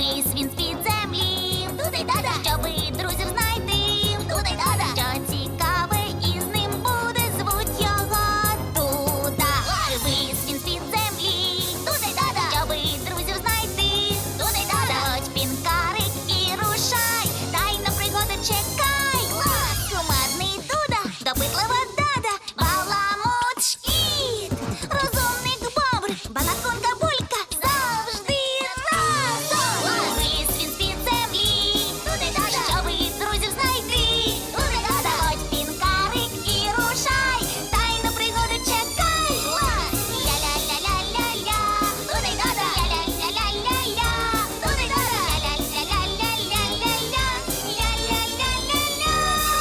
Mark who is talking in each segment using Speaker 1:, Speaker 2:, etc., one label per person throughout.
Speaker 1: Вись він з-під землі. Туди-дада. Щоби друзів знайти. Туди-дада. Що цікаве із ним буде, звуть його Дуда. Вись він з-під землі. Туди-дада. Щоби друзів знайти. Туди-дада. Заходь, пінкарик, і рушай. Тайна пригода чекай. Кумедний Дуда, допитлива Дада, баламут Шкіт, розумник Бобр, балаконка Булька, завжди разом. Виліз він з-під землі. Туди-дада. Щоби друзів знайти. Туди-дада. Заходь, пінкарик, і рушай. Тайну пригоду чекай. Ля-ля-ля-ля-ля-ля. Туди-дада. Ля-ля-ля-ля-ля-ля. Туди-дада. Ля-ля-ля-ля-ля-ля-ля. Ля-ля-ля-ля-ля.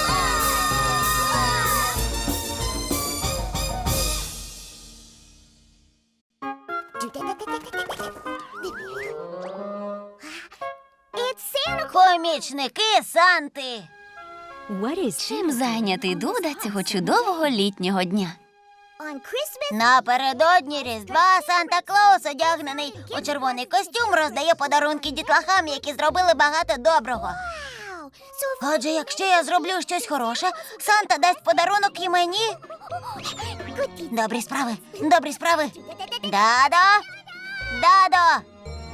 Speaker 1: Помічники Санти. Чим зайнятий Дуда цього чудового літнього дня? Напередодні Різдва Санта-Клаус, одягнений у червоний костюм, роздає подарунки дітлахам, які зробили багато доброго. Отже, якщо я зроблю щось хороше, Санта дасть подарунок і мені. Добрі справи, добрі справи. Дадо! Дадо!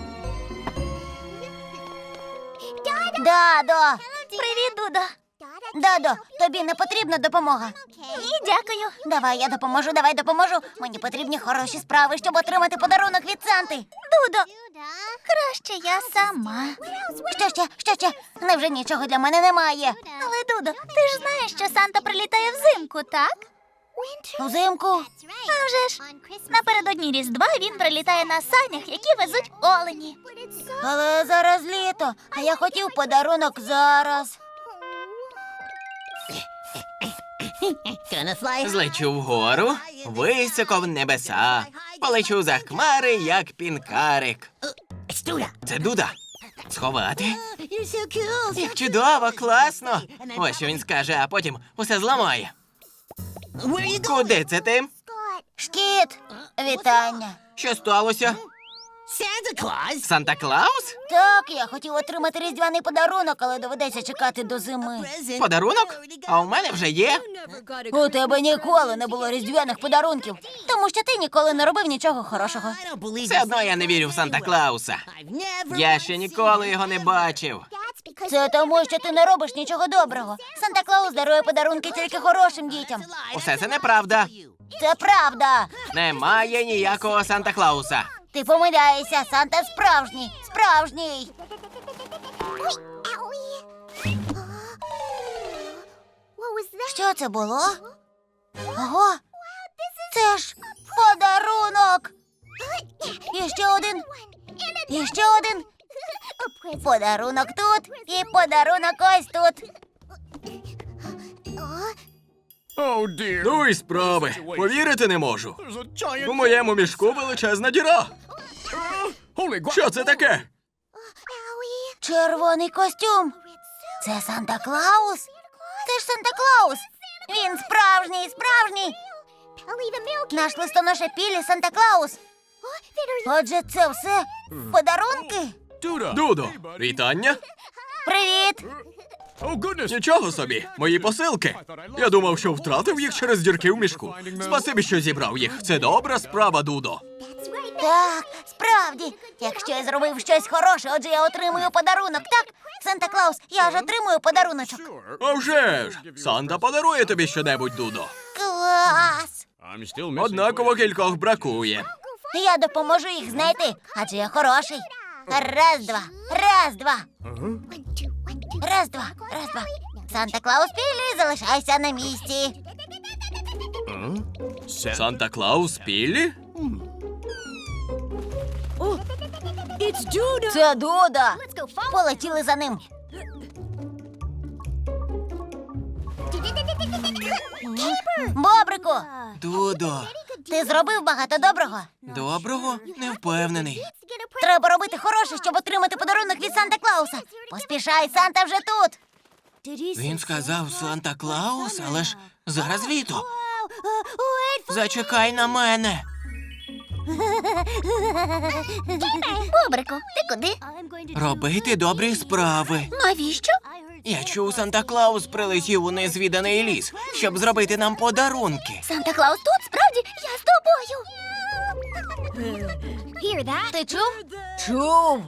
Speaker 1: Дадо! Привіт, Дудо! Дадо, тобі не потрібна допомога. Ні, дякую. Давай, я допоможу, давай допоможу. Мені потрібні хороші справи, щоб отримати подарунок від Санти. Дудо, краще я сама. Що ще? Невже нічого для мене немає? Але, Дудо, ти ж знаєш, що Санта прилітає взимку, так? Взимку? А вже ж. Напередодні Різдва він прилітає на санях, які везуть олені. Але зараз літо, а я хотів подарунок зараз.
Speaker 2: Злечу вгору, високо в небеса. Полечу за хмари, як пінкарик. Це Дуда. Сховати? Як чудово, класно. Ось що він скаже, а потім усе зламає. Куди це ти?
Speaker 1: Шкіт, вітання.
Speaker 2: Що сталося? Санта-Клаус?
Speaker 1: Так, я хотів отримати різдвяний подарунок, але доведеться чекати до зими.
Speaker 2: Подарунок? А у мене вже є.
Speaker 1: У тебе ніколи не було різдвяних подарунків, тому що ти ніколи не робив нічого хорошого.
Speaker 2: Все одно я не вірю в Санта-Клауса. Я ще ніколи його не бачив.
Speaker 1: Це тому, що ти не робиш нічого доброго. Санта-Клаус дарує подарунки тільки хорошим дітям.
Speaker 2: Усе це неправда.
Speaker 1: Це правда.
Speaker 2: Немає ніякого Санта-Клауса.
Speaker 1: Ти помиляєшся, Санта справжній, справжній. Що це було? Ого, це ж подарунок. І ще один. І ще один. Подарунок тут і подарунок ось тут.
Speaker 2: Ну і справи. Повірити не можу. У моєму мішку величезна діра. Що це таке?
Speaker 1: Червоний костюм. Це Санта-Клаус? Це ж Санта-Клаус. Він справжній, справжній. Наш листоноша Пілі Санта-Клаус. Отже, це все подарунки?
Speaker 2: Дудо, вітання.
Speaker 1: Привіт.
Speaker 2: Нічого собі, мої посилки. Я думав, що втратив їх через дірки в мішку. Спасибі, що зібрав їх. Це добра справа, Дудо.
Speaker 1: Так, справді. Якщо я зробив щось хороше, отже я отримую подарунок, так? Санта-Клаус, я ж отримую подаруночок.
Speaker 2: А вже ж! Санта подарує тобі щонебудь, Дудо.
Speaker 1: Клас!
Speaker 2: Однаково кількох бракує.
Speaker 1: Я допоможу їх знайти, адже я хороший. Раз, два, раз, два. Раз, два, раз, два. Санта-Клаус Пілі, залишайся на місці.
Speaker 2: Санта-Клаус Піллі?
Speaker 1: Це Дуда. Полетіли за ним. Бобрику,
Speaker 2: Дудо.
Speaker 1: ти зробив багато доброго.
Speaker 2: Доброго? Не впевнений.
Speaker 1: Треба робити хороше, щоб отримати подарунок від Санта-Клауса. Поспішай, Санта вже тут.
Speaker 2: Він сказав Санта-Клаус, але ж зараз літо. Зачекай на мене.
Speaker 1: Бобрику, ти куди?
Speaker 2: Робити добрі справи.
Speaker 1: Навіщо?
Speaker 2: Я чув, Санта-Клаус прилетів у незвіданий ліс, щоб зробити нам подарунки.
Speaker 1: Санта-Клаус тут? Справді? Я з тобою. Ти чув?
Speaker 3: Чув.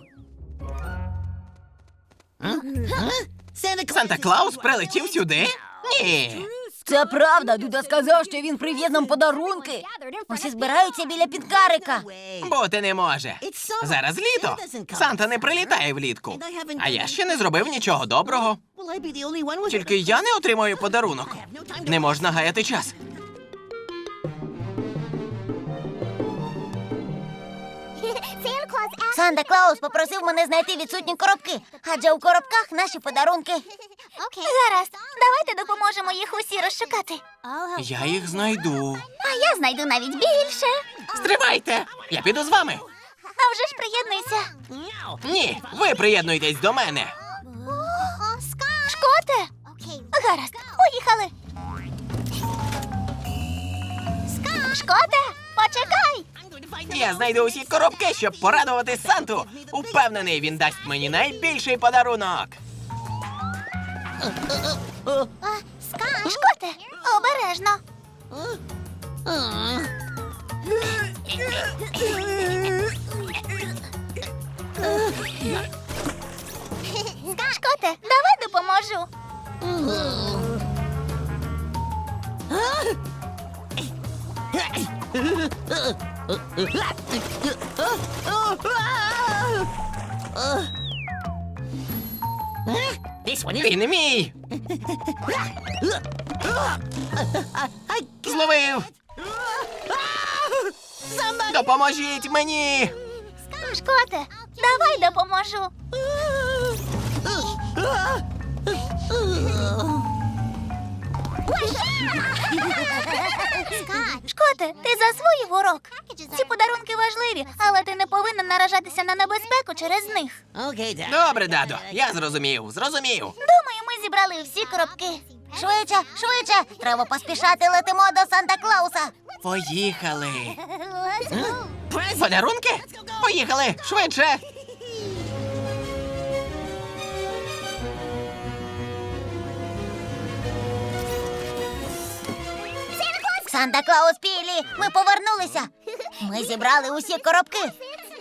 Speaker 2: Санта-Клаус прилетів сюди? Ні.
Speaker 3: Це правда. Дуда сказав, що він привіз нам подарунки. Усі збираються біля підкарика.
Speaker 2: Бути не може. Зараз літо. Санта не прилітає влітку. А я ще не зробив нічого доброго. Тільки я не отримаю подарунок. Не можна гаяти час.
Speaker 3: Санта-Клаус попросив мене знайти відсутні коробки, адже у коробках наші подарунки.
Speaker 1: Гаразд, давайте допоможемо їх усі розшукати.
Speaker 2: Я їх знайду.
Speaker 1: А я знайду навіть більше.
Speaker 2: Стривайте! Я піду з вами.
Speaker 1: А вже ж приєднуйся.
Speaker 2: Ні, ви приєднуйтесь до мене.
Speaker 1: Шкоте? Гаразд, поїхали. Шкоте, почекай.
Speaker 2: Я знайду усі коробки, щоб порадувати Санту. Упевнений, він дасть мені найбільший подарунок.
Speaker 1: Шкоте, обережно. Шкоте, давай допоможу.
Speaker 2: Він мій. Зловив. Допоможіть мені.
Speaker 1: Шкоте, давай допоможу. Шкоте, ти засвоїв урок. Ці подарунки важливі, але ти не повинен наражатися на небезпеку через них.
Speaker 2: Добре, дадо, я зрозумів.
Speaker 1: Думаю, ми зібрали всі коробки.
Speaker 3: Швидше, швидше! Треба поспішати, летимо до Санта-Клауса.
Speaker 2: Поїхали. Подарунки? Поїхали, швидше.
Speaker 3: Санта-Клаус Пілі, ми повернулися. Ми зібрали усі коробки.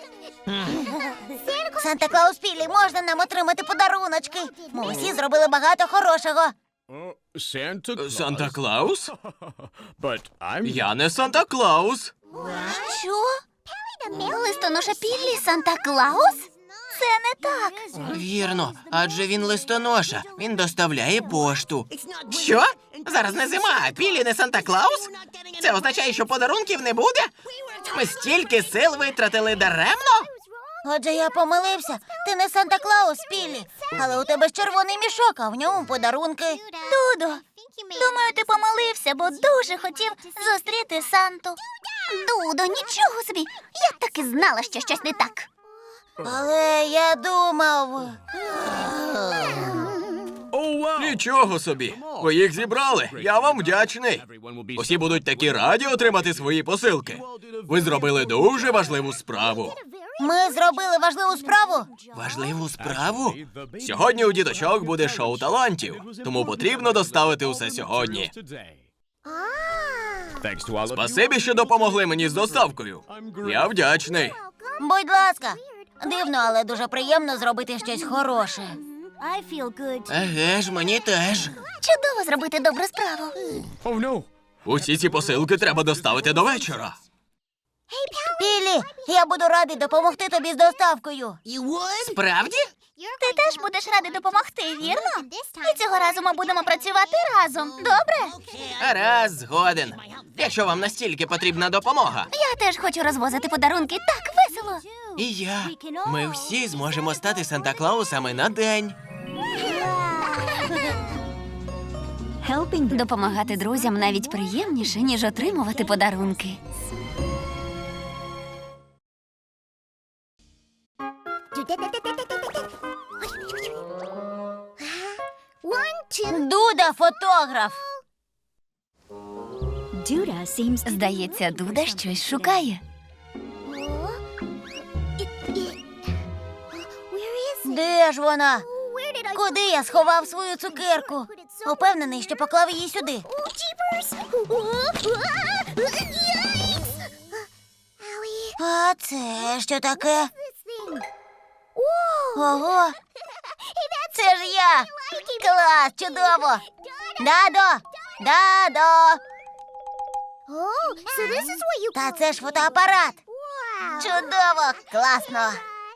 Speaker 3: Санта-Клаус Пілі, можна нам отримати подаруночки? Ми усі зробили багато хорошого.
Speaker 2: Санта-Клаус?
Speaker 4: But I'm
Speaker 2: Я не Санта-Клаус.
Speaker 1: Що? Листоноша Піллі Санта-Клаус? Це не так.
Speaker 2: Вірно, адже він листоноша. Він доставляє пошту. Що? Зараз не зима, а Пілі не Санта-Клаус? Це означає, що подарунків не буде? Ми стільки сил витратили даремно?
Speaker 3: Отже, я помилився. Ти не Санта-Клаус, Пілі. Але у тебе ж червоний мішок, а в ньому подарунки.
Speaker 1: Дудо, думаю, ти помилився, бо дуже хотів зустріти Санту. Дудо, нічого собі. Я так і знала, що щось не так.
Speaker 3: Але я думав.
Speaker 2: Нічого собі. Ви їх зібрали. Я вам вдячний. Усі будуть такі раді отримати свої посилки. Ви зробили дуже важливу справу.
Speaker 3: Ми зробили важливу справу.
Speaker 2: Важливу справу? Сьогодні у діточок буде шоу талантів, тому потрібно доставити усе сьогодні.
Speaker 4: thanks to all of you.
Speaker 2: Спасибі, що допомогли мені з доставкою. Я вдячний.
Speaker 3: Будь ласка. Дивно, але дуже приємно зробити щось хороше.
Speaker 2: Еге ж, мені теж.
Speaker 1: Чудово зробити добру справу.
Speaker 4: Oh no.
Speaker 2: Усі ці посилки треба доставити до вечора.
Speaker 3: Пілі, я буду радий допомогти тобі з доставкою.
Speaker 2: Справді?
Speaker 1: Ти теж будеш радий допомогти, вірно? І цього разу ми будемо працювати разом. Добре?
Speaker 2: Раз, згоден. Якщо вам настільки потрібна допомога.
Speaker 1: Я теж хочу розвозити подарунки. Так весело.
Speaker 2: І я. Ми всі зможемо стати Санта-Клаусами на день.
Speaker 1: Допомагати друзям навіть приємніше, ніж отримувати подарунки.
Speaker 3: Дуда, фотограф.
Speaker 1: Здається, Дуда щось шукає.
Speaker 3: Де ж вона? Куди я сховав свою цукерку? Упевнений, що поклав її сюди. А це що таке? Ого! Це ж я! Клас, чудово! Дадо! Дадо! Та це ж фотоапарат! Чудово! Класно!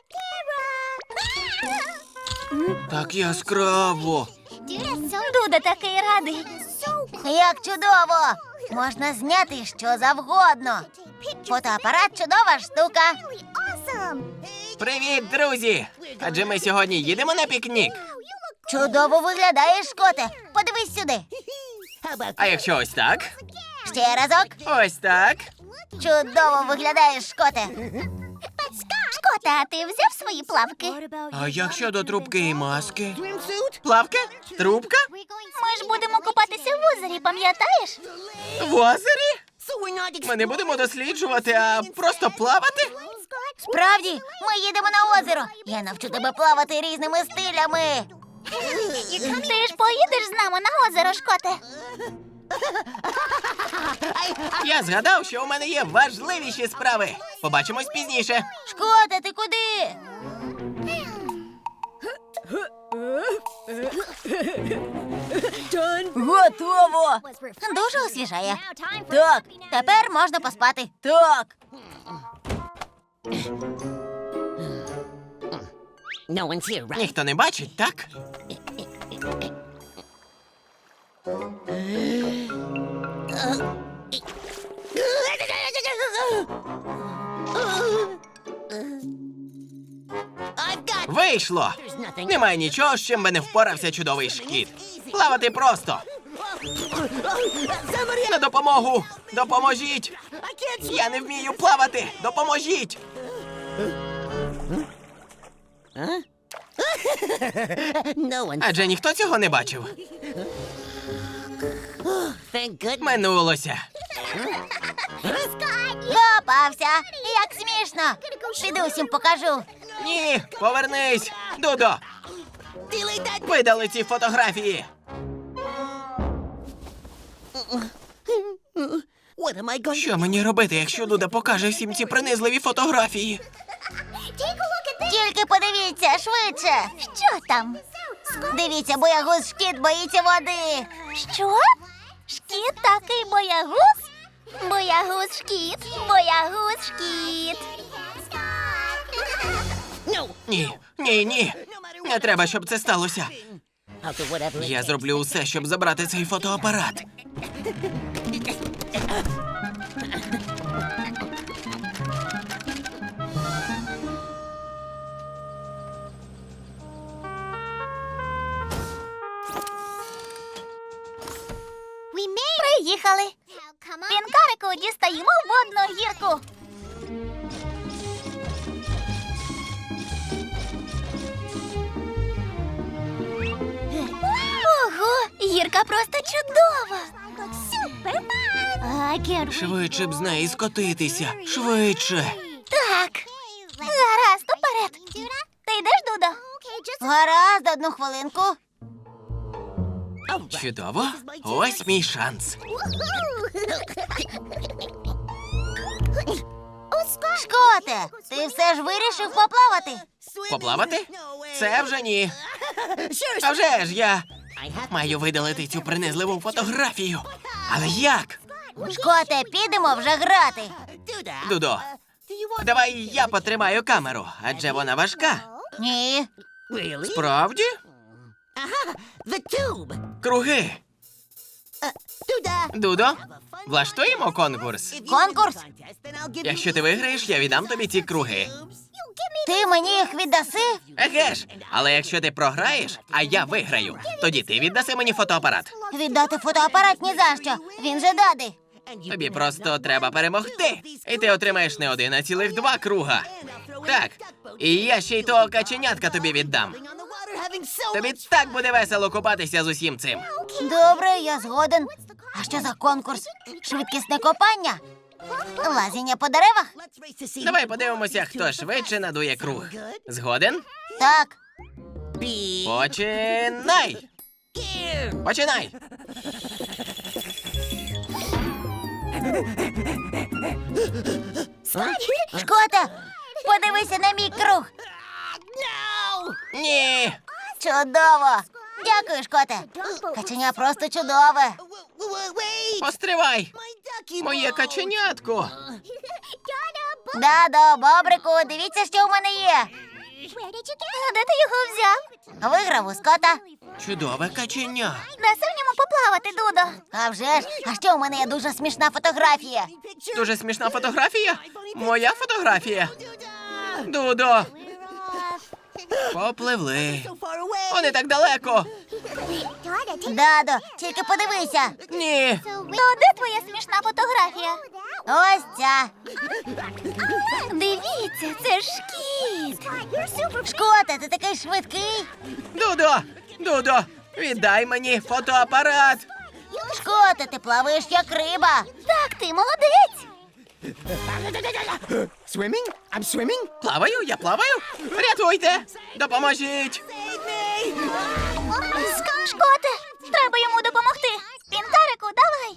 Speaker 2: Так яскраво.
Speaker 1: Дуда такий радий.
Speaker 3: Як чудово! Можна зняти що завгодно. Фотоапарат – чудова штука.
Speaker 2: Привіт, друзі! Адже ми сьогодні їдемо на пікнік.
Speaker 3: Чудово виглядаєш, Шкоте. Подивись сюди.
Speaker 2: А якщо ось так?
Speaker 3: Ще разок.
Speaker 2: Ось так.
Speaker 3: Чудово виглядаєш, Шкоте.
Speaker 1: Шкота, а ти взяв свої плавки?
Speaker 2: А як щодо трубки і маски? Плавка? Трубка?
Speaker 1: Ми ж будемо купатися в озері, пам'ятаєш?
Speaker 2: В озері? Ми не будемо досліджувати, а просто плавати?
Speaker 3: Справді, ми їдемо на озеро. Я навчу тебе плавати різними стилями.
Speaker 1: Ти ж поїдеш з нами на озеро, Шкоте?
Speaker 2: Я згадав, що у мене є важливіші справи. Побачимось пізніше.
Speaker 3: Шкоте, ти куди? Готово. Дуже освіжає. Так, тепер можна поспати. Так.
Speaker 5: No one's here, right?
Speaker 2: Ніхто не бачить, так?
Speaker 5: I've got.
Speaker 2: Вийшло!
Speaker 5: There's nothing.
Speaker 2: Немає нічого, з чим би не впорався чудовий шкіт. Плавати просто!
Speaker 5: Somebody.
Speaker 2: На допомогу! Допоможіть!
Speaker 5: I can't.
Speaker 2: Я не вмію плавати! Допоможіть!
Speaker 5: No one.
Speaker 2: Адже ніхто цього не бачив.
Speaker 5: Thank goodness.
Speaker 2: Минулося.
Speaker 3: Попався. Як смішно. Піду всім покажу.
Speaker 2: Ні, повернись! Дудо!
Speaker 5: Delete that.
Speaker 2: Видали ці фотографії!
Speaker 5: What am I going?
Speaker 2: Що мені робити, якщо Дуда покаже всім ці принизливі фотографії?
Speaker 3: Тільки подивіться, швидше.
Speaker 1: Що там?
Speaker 3: Дивіться, боягуз Шкіт боїться води.
Speaker 1: Що? Шкіт такий боягуз? Боягуз шкіт, боягуз шкіт.
Speaker 5: No.
Speaker 2: Ні. Не треба, щоб це сталося.
Speaker 5: I'll do whatever. it
Speaker 2: Я
Speaker 5: takes.
Speaker 2: зроблю усе, щоб забрати цей фотоапарат.
Speaker 1: Приїхали. Пінкарику, дістаємо водну гірку. Ого, гірка просто чудова.
Speaker 2: Швидше б з неї скотитися. Швидше.
Speaker 1: Так. Гаразд, уперед. Ти йдеш, Дудо?
Speaker 3: Гаразд, одну хвилинку.
Speaker 2: Чудово. Ось мій шанс.
Speaker 3: Шкоте, ти все ж вирішив поплавати?
Speaker 2: Поплавати? Це вже ні.
Speaker 5: Sure.
Speaker 2: А вже ж я
Speaker 5: I have.
Speaker 2: маю видалити цю принизливу фотографію. Але як?
Speaker 3: Шкоте, підемо вже грати.
Speaker 5: Do that.
Speaker 2: Дудо,
Speaker 5: Do you want?
Speaker 2: давай я потримаю камеру, адже вона важка.
Speaker 3: Ні.
Speaker 5: Really?
Speaker 2: Правді?
Speaker 5: The tube.
Speaker 2: Круги.
Speaker 5: Do that.
Speaker 2: Дудо, влаштуємо конкурс.
Speaker 3: Конкурс?
Speaker 2: Якщо ти виграєш, я віддам тобі ці круги.
Speaker 3: Ти мені їх віддаси?
Speaker 2: Еге ж, але якщо ти програєш, а я виграю, тоді ти віддаси мені фотоапарат.
Speaker 3: Віддати фотоапарат ні за що. Він же дади.
Speaker 2: Тобі просто треба перемогти. І ти отримаєш не один, а цілих 2 круга. Так, і я ще й того каченятка тобі віддам. Тобі так буде весело купатися з усім цим.
Speaker 3: Добре, я згоден. А що за конкурс? Швидкісне копання? Лазіння по деревах?
Speaker 2: Давай подивимося, хто швидше надує круг. Згоден?
Speaker 3: Так.
Speaker 2: Починай! Починай!
Speaker 3: Шкоте, подивися на мій круг.
Speaker 2: Ні!
Speaker 3: Чудово! Дякую, Шкоте. Каченя просто чудове.
Speaker 2: Постривай! Моє каченятко!
Speaker 3: Дадо, бобрику, дивіться, що в мене є.
Speaker 1: А де ти його взяв?
Speaker 3: Виграв у Скота.
Speaker 2: Чудове каченя!
Speaker 1: Даси в ньому поплавати, Дудо.
Speaker 3: А вже ж, а ще у мене є дуже смішна фотографія.
Speaker 2: Дуже смішна фотографія? Моя фотографія? Дудо! Попливли. Вони так далеко.
Speaker 3: Дадо, тільки подивися.
Speaker 2: Ні.
Speaker 1: То де твоя смішна фотографія?
Speaker 3: Ось ця.
Speaker 1: Дивіться, це ж кіт.
Speaker 3: Шкоте, ти такий швидкий.
Speaker 2: Дудо! Дудо! Віддай мені фотоапарат!
Speaker 3: Шкоте, ти плаваєш як риба.
Speaker 1: Так, ти молодець.
Speaker 5: Swimming? I'm swimming?
Speaker 2: Плаваю, я плаваю! Рятуйте! Допоможіть!
Speaker 1: Шкоте, треба йому допомогти. Пінкарику, давай.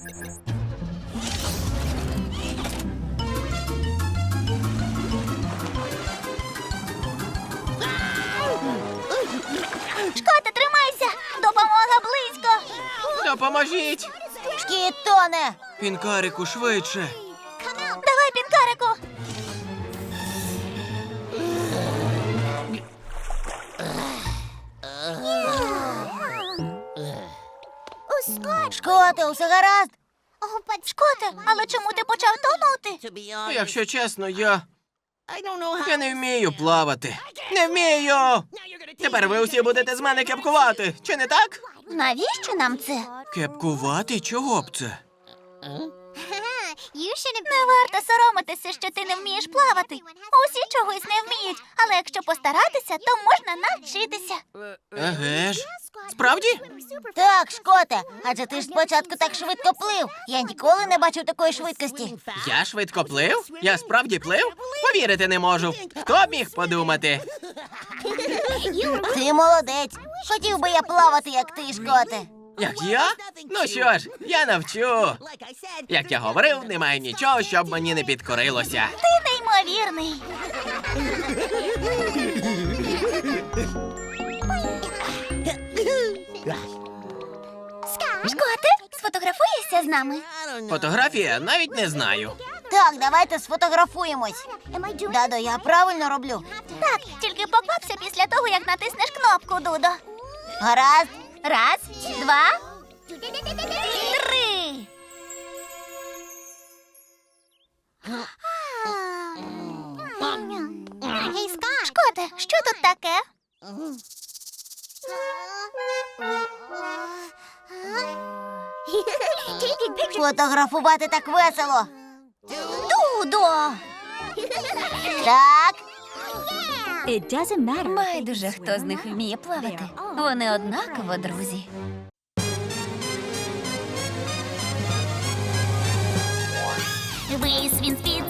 Speaker 1: Шкоте, тримайся. Допомога близько.
Speaker 2: Допоможіть!
Speaker 3: Шкіт тоне.
Speaker 2: Пінкарику швидше!
Speaker 1: Давай, Пінкарику.
Speaker 3: Шкоте, усе гаразд.
Speaker 1: Шкоте, але чому ти почав тонути?
Speaker 5: To be honest,
Speaker 2: Якщо чесно, я
Speaker 5: I don't know how.
Speaker 2: не вмію плавати. Не вмію! Тепер ви усі будете з мене кепкувати, чи не так?
Speaker 1: Навіщо нам це?
Speaker 2: Кепкувати? Чого б це?
Speaker 1: Не варто соромитися, що ти не вмієш плавати. Усі чогось не вміють, але якщо постаратися, то можна навчитися.
Speaker 2: Еге ж. Справді?
Speaker 3: Так, Шкоте, адже ти ж спочатку так швидко плив. Я ніколи не бачив такої швидкості.
Speaker 2: Я швидко плив? Я справді плив? Повірити не можу. Хто б міг подумати?
Speaker 3: Ти молодець. Хотів би я плавати, як ти, Шкоте.
Speaker 2: Як я? Ну що ж, я навчу.
Speaker 5: Like I said,
Speaker 2: Як я говорив, немає нічого, щоб мені не підкорилося.
Speaker 1: Ти неймовірний. Шкоте, сфотографуєшся з нами?
Speaker 5: I don't know.
Speaker 2: Фотографія навіть не знаю.
Speaker 3: Так, давайте сфотографуємось. Дадо, я правильно роблю.
Speaker 1: Так, тільки поквапся після того, як натиснеш кнопку, Дудо.
Speaker 3: Гаразд.
Speaker 1: Раз, два, три. Шкоте, що тут таке?
Speaker 3: Фотографувати так весело.
Speaker 1: Дудо!
Speaker 3: Так,
Speaker 1: Байдуже, хто з них вміє плавати. Вони однаково друзі. Вись він з-під